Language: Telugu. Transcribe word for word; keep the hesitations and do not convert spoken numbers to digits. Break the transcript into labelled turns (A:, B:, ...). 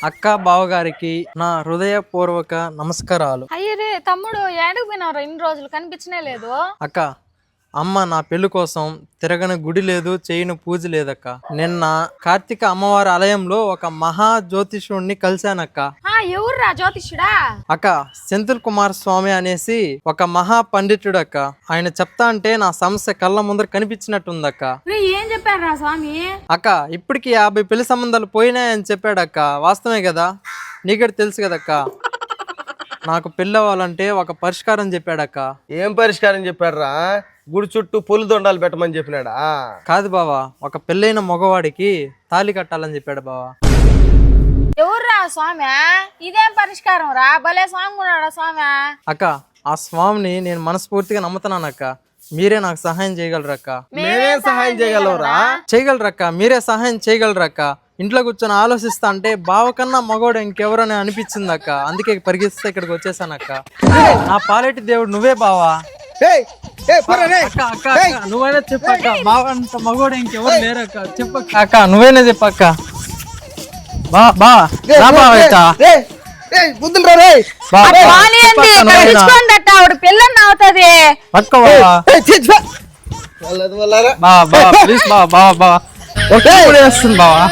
A: అక్క బావగారికి నా హృదయపూర్వక నమస్కారాలు.
B: అయ్యరే తమ్ముడు ఏడుకు పోయినారా ఇన్ని రోజులు కనిపించనే లేదు.
A: అక్క అమ్మ నా పెళ్లి కోసం తిరగని గుడి లేదు, చేయని పూజ లేదక్క. నిన్న కార్తీక అమ్మవారి ఆలయంలో ఒక మహా జ్యోతిషుడిని కలిశానక్క.
B: ఆ ఎవర్రా జ్యోతిష్యుడా?
A: అక్క సెంథిల్ కుమార్ స్వామి అనేసి ఒక మహా పండితుడు అక్క. ఆయన చెప్తా అంటే నా సమస్య కళ్ళ ముందర కనిపించినట్టుందక్క.
B: ఏం చెప్పారా స్వామి?
A: అక్క ఇప్పటికి యాభై పెళ్లి సంబంధాలు పోయినాయని చెప్పాడక్క. వాస్తవమే కదా, నీకటి తెలుసు కదక్క. నాకు పెళ్ళి అవ్వాలంటే ఒక పరిష్కారం చెప్పాడక్క.
C: ఏం పరిష్కారం చెప్పాడురా? గుడి చుట్టూ పొలి దొండాలు పెట్టమని చెప్పినాడా?
A: కాదు బావా, ఒక పెళ్ళైన మగవాడికి తాళి కట్టాలని చెప్పాడు బావా.
B: ఎవర్రా స్వామి? ఇదేం పరిష్కారం రా? భలే స్వామి ఉన్నాడా స్వామి?
A: అక్క ఆ స్వామిని నేను మనస్ఫూర్తిగా నమ్ముతున్నానక్క. మీరే నాకు సహాయం చేయగలరక్క.
C: మేమే సహాయం చేయగలవురా?
A: చేయగలరక్క, మీరే సహాయం చేయగలరక్క. ఇంట్లో కూర్చొని ఆలోచిస్తా అంటే బావ కన్నా మగోడు ఇంకెవరని అనిపించింది అక్క. అందుకే పరిగెత్తిస్తే ఇక్కడికి వచ్చేసానక్క. నా పాలేటి దేవుడు నువ్వే బావా. అక్క అక్క అక్క నువ్వైనా చెప్పక్క. బావ అంత మగోడు ఇంకెవరు లేరక్క. చెప్పక్క అక్క, నువ్వైనా చెప్పక్క. బా బా
B: పిల్లని అవుతుంది
A: పట్టుకో బావా. ప్లీజ్ బావా బావా బావా వస్తుంది బావా.